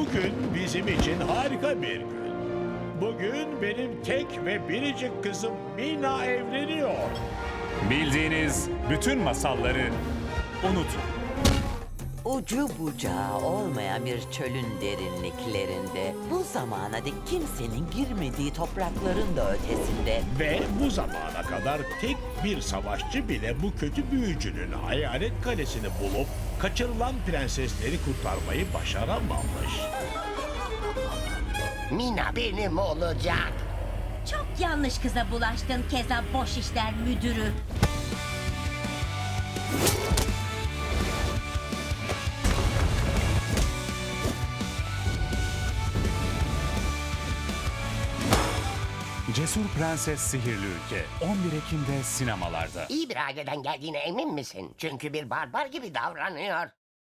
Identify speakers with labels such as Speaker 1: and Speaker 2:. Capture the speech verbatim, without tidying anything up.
Speaker 1: Bugün bizim için harika bir gün. Bugün benim tek ve biricik kızım Mina evleniyor.
Speaker 2: Bildiğiniz bütün masalları unutun.
Speaker 3: Ucu bucağı olmayan bir çölün derinliklerinde, bu zamana dek kimsenin girmediği toprakların da ötesinde
Speaker 1: Ve bu zamana kadar tek bir savaşçı bile bu kötü büyücünün hayalet kalesini bulup kaçırılan prensesleri kurtarmayı başaramamış.
Speaker 4: Mina benim olacak.
Speaker 5: Çok yanlış kıza bulaştın Keza Boş İşler Müdürü.
Speaker 2: Cesur Prenses Sihirli Ülke on bir Ekim'de sinemalarda.
Speaker 4: İyi bir aileden geldiğine emin misin? Çünkü bir barbar gibi davranıyor.